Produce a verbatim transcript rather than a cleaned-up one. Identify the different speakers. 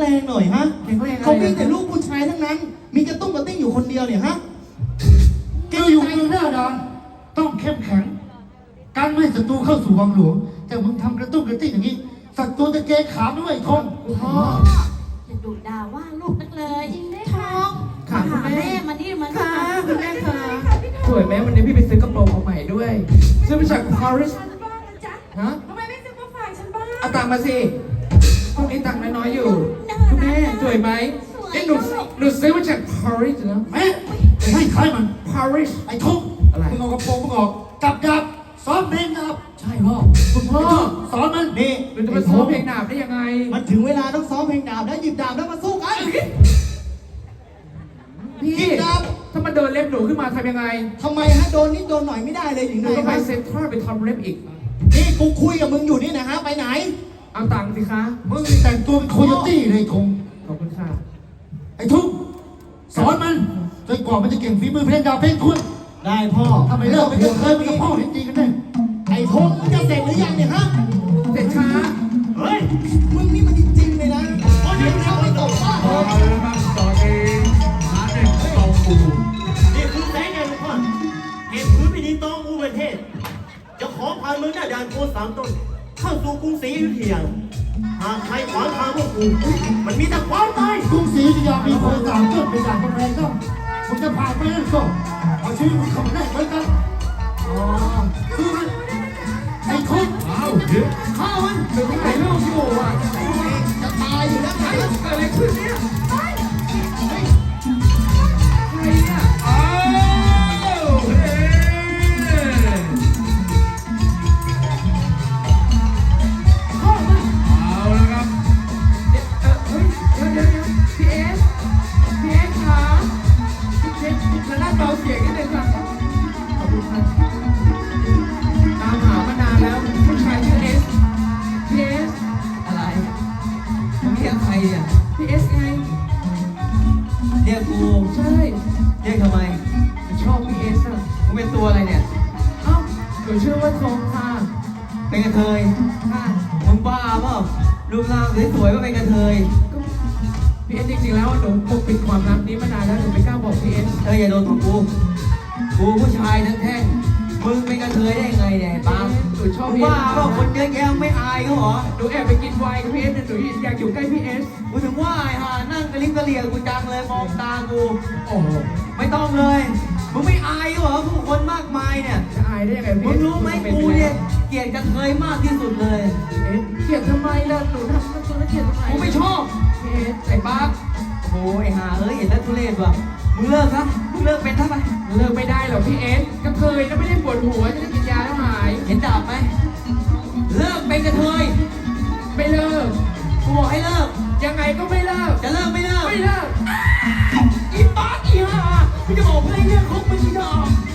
Speaker 1: รงหน่อยฮะ
Speaker 2: แข็งแรงอะไร
Speaker 1: เขามีแต่ลูกผู้ชายทั้งนั้น มีกระตุ้งกระติ้งอยู่คนเดียวเนี่ยฮะ
Speaker 2: เจ้าอยู่เมืองหน้าดอนต้องเข้มแข็งการไม่ให้ศัตรูเข้าสู่วังหลวงแต่มึงทำกระตุ้งกระติ้งอย่างนี้ศัตรูจะเกยขาด้วยทอง
Speaker 3: พ่ออย่าดุด่าว่าลูกนักเลยจริงได้ทอง
Speaker 4: ค่ะคุณ
Speaker 3: หา
Speaker 4: แม่
Speaker 3: แม่มานี่มัน
Speaker 4: ค่ะคุณแม่ค่ะสวยไหมวันนี้พี่ไปซื้อกระโปรงมาใหม่ด้วยซื้อมาจากปารีส
Speaker 3: ฉันบ้างนะจ๊ะ
Speaker 4: ฮะ
Speaker 3: ทำไมไม่ซื้อมาฝากฉันบ้าง
Speaker 4: เอาตังค์มาสิพวกนี้ตังค์น้อยๆอยู่คุณแม่สวยไหมเอ๊ะหนูหนูซื้อมาจากปารีสนะ
Speaker 2: แม่จะให้ใครมัน
Speaker 4: ปารีส
Speaker 2: ไอ้ทุ่ง
Speaker 4: อะไร
Speaker 2: มึงเอากระโปรงมึงออกจับจับซ้อมเพลงจับใช่พ่อ
Speaker 4: คุณพ่อ
Speaker 2: สอนมัน
Speaker 1: นี่
Speaker 4: หนูจะมาซ้อมเพลงดาบได้ยังไง
Speaker 1: มันถึงเวลาต้องซ้อมเพลงดาบแล้วหยิบดาบแล้วมาสู้กัน
Speaker 4: พี่
Speaker 1: หยิบดาบ
Speaker 4: ถ้ามันเดินเล็บหนูขึ้นมาทำยังไง
Speaker 1: ทำไมฮะโดนนิดโดนหน่อยไม่ได้เลยหรือ
Speaker 4: ห
Speaker 1: ไง
Speaker 4: นูต้องไป
Speaker 1: ฮะ
Speaker 4: เซ็นทรัลไปทำเล็บอีก
Speaker 1: นี่กูคุยกับมึงอยู่นี่นะฮะไปไหน
Speaker 4: เอาตังค์สิคะ
Speaker 2: มึงแต่งตัวเป็นโคโยตี้เลยทง
Speaker 4: ขอบคุณค่ะ
Speaker 2: ไอ้ทุ่งสอนมันจนกว่ามันจะเก่งฝีมือเพลงดาวเพลงคุณ
Speaker 1: ได้พ่อ
Speaker 2: ทำไมเลิกไปเถอะเคยเป็นกับพ่อจริงๆกันแน่
Speaker 1: ไอ้ทงมึงจะเสร็จหรือยังเนี่ยฮะ
Speaker 4: เสร็จช้า
Speaker 1: เฮ้ย มึงนี่มันจริงๆเลยนะเดี๋ยวเข้าไปตบบ้า
Speaker 2: เอาละครับตอนนี้หาเด็กตองปู
Speaker 5: นี่คือแสงแห่งลูกพ่อเหตุพื้นพิธีตองอูประเทศ จะขอพาเมืองหน้าด่านโคสามต้น เข้าสู่กรุงศรีอยุธยา หากใครขวางทางพวกกูมันมีแต่ความตาย
Speaker 2: กรุงศรีอยุธยามีคนสามต้นเป็นด่านกำแพงก็คุณจะผ่านไปนั่นก็เอาชีวิตคุณเข้ามาได้เหมือนกันอ๋อคือมันไอ้คุณเอาเดี๋ยวข้ามัน
Speaker 4: หนูถ่ายรูปอยู่อ่ะ
Speaker 1: จะตายอยู่แล้วไง
Speaker 4: เกิดอะไรขึ้นเนี่ยใครเนี่ยอ้าวเฮ้พ่อมา
Speaker 2: เอาละครับ
Speaker 4: เดี๋ยวเออเฮ้ยเดี๋ยวเดี๋ยวเดี๋ยวพี่เอสพี่เอสขาพี่เอสจะน่าเบาเสียงนิดนึงค่ะขอบคุณครับตามหามานานแล้วผู้ชายชื่อเอสพี่เอส
Speaker 6: อะไรมึงเรียกใครเนี่ย
Speaker 4: พี่เอสไง
Speaker 6: เรียกกู
Speaker 4: ใช่
Speaker 6: เรียกทำไม
Speaker 4: ชอบพี่เอสอ่ะ
Speaker 6: มึงเป็นตัวอะไรเนี่ย
Speaker 4: เอ้าหนูชื่อว่าทองค่ะ
Speaker 6: เป็นกระเทย
Speaker 4: ค่ะ
Speaker 6: มึงบ้าเปล่ารูปร่างสวยๆก็เป็นกระเทย
Speaker 4: ก็พี่เอสจริงๆแล้วหนูปกปิดความลับนี้มานานแล้วหนูไม่กล้าบอกพี่เอส
Speaker 6: เธออย่าโดนของกู กูผู้ชายทั้งแท่ง มึงเป็นกระเทยได้ยังไงเนี่ยไอ้ปั๊ม
Speaker 4: หนูชอบ
Speaker 6: มึง
Speaker 4: พี่เอ
Speaker 6: บ้า
Speaker 4: ส
Speaker 6: เปล่าคนเยอะแยะไม่อายเขาเหรอ
Speaker 4: หนูแอบไปกินไวน์กับพี่เอสแต่หนูอยากอยู่ใกล้พี่เอส
Speaker 6: กูถึงว่าไอ้ห่านั่งกระลิบกระเหลี่ยกูจังเลยมองตากู
Speaker 4: โอ้โห
Speaker 6: ไม่ต้องเลย มึงไม่อายเขาเหรอผู้คนมากมายเนี่ย
Speaker 4: จะอายได้ยังไง
Speaker 6: มึ
Speaker 4: พี่
Speaker 6: งรู้ไหมกูเนี่ยเกลียดกระเทยมากที่สุดเลย
Speaker 4: เอสเกลียดทำไมล่ะหนูทำตัวแล้วเกลียดทำไม
Speaker 6: กูไม่ชอบ
Speaker 4: พี่เอสไอ้ปั๊ก
Speaker 6: โอ้ยหาเอ้ยเห็นแล้วทุเรศว่ะ มึงเลิกซะมึงเลิกเป็นท่าไป
Speaker 4: เลิกไม่ได้หรอกพี่เอสก็เคยแล้วไม่ได้ปวดหัวจะได้กินยาแล้วหาย
Speaker 6: เห็นดาบไหม เลิกเป็นกระเทย
Speaker 4: ไม่เลิก
Speaker 6: กูบอกให้เลิก
Speaker 4: ยังไงก็ไม่เลิก
Speaker 6: จะเลิกไม่เลิก
Speaker 4: ไม่เลิก
Speaker 6: อีป๊อกอีห่ากูจะบอกให้เลิกคบมึงอีดอก